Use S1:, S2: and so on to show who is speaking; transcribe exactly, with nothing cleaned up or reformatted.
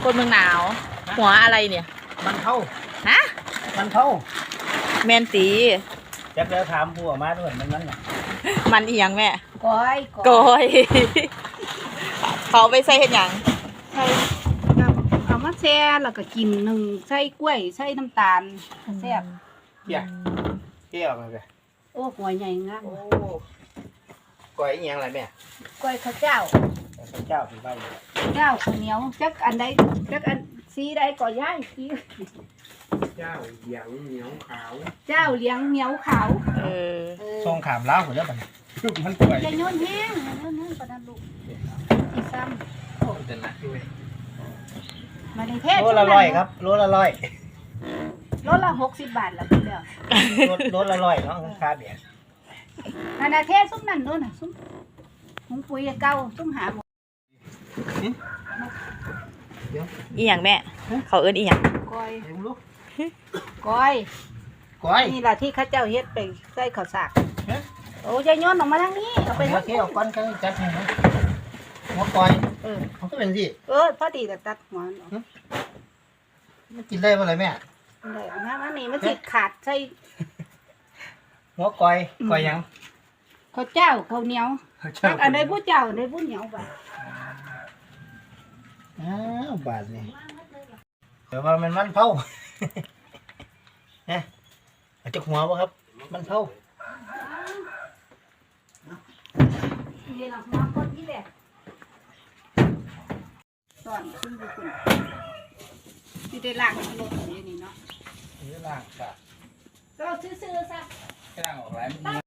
S1: คนเมืองหนาวหัวอะไรเนี่ย
S2: มันเท่า
S1: ฮะ
S2: มันเท่า
S1: แมนตี
S2: จักแล้วถามผู้ออกมาด้วยมันนั่นน่ะ
S1: มันอีหยังแม่
S3: ก้อย
S1: ก้อยเขาไปใส่เห็ดหยัง
S3: ใส่เอามาแช่แล้วก็กินหนึ่งใส่กล้วยใส่น้ำตาลแซ่บ
S2: เกี่ยเกี่ยวมาเลย
S3: โอ้หัวใหญ่งาม
S2: โอ้ก้อยอีหยังไรแม่
S3: กล้วยข้าวเจ้า
S2: ข้าวเจ้าเป็นใบ
S3: เจ้าข้าวเหนียวจักอันใดจักอันสีใดก็ย้ายสี
S2: เจ้าเหลียงเหนียวขาว
S3: เจ้าเลี้ยงเหนียวขาว
S1: เออ
S2: ทรงขามล้าวหมดแล้วมันมันก้อย
S3: จะโยนแห้งโยนแห้งประดันลูกอีซ้ำโอ้
S2: เดินละด้วย
S3: มาในเทศ
S2: โลละร้อยครับโลละร้อย
S3: โลละหกสิบบาทแล้วพี่เดียว
S2: โลละร้อยเนาะราคาเบียด
S3: นานาเทศซุ้มนั่นโน่นน่ะซุ้มหุงปุ๋ยเก่าซุ้มหาหมด
S1: อีหยังแม่เขาเอิ้นอีหยัง
S3: ก้อย
S2: เดี๋ยวลูก
S3: ก้อย
S2: ก้อย
S3: นี่แหละที่ข้าเจ้าเฮ็ดไปใส่ข้าวสากโอ้ยายย้อนออกมาทางนี้เอาไป
S2: ทางนี้เอาก้อนกันจัดให้นะหัวก้อยเออเขาก็เป็นสิ
S3: เออพอดีแต่ตัดหัว
S2: มันกินได้เมื่อไรแม่
S3: ได้เอาน้ำอันนี้มันติดขาดใส่
S2: หัวก้อยก้อยยัง
S3: ข้าวเจ้าข้าวเหนียวอันใดผู้เจ้าอันใดผู้เหนียวไป
S2: อ้าวบาทนี่เดี๋ยวว่ามันมันเผาเนี่ยเอาจากหัวป่ะครับมันเผา
S3: นี่หลังหัวคนที่แหละตอนขึ้นไปขึ้นที่ได้ล่างรถอย่างนี้เนาะ
S2: นี่ล่างค่ะ
S3: ก็ซื้อๆซะ
S2: ล่างออกแล้ว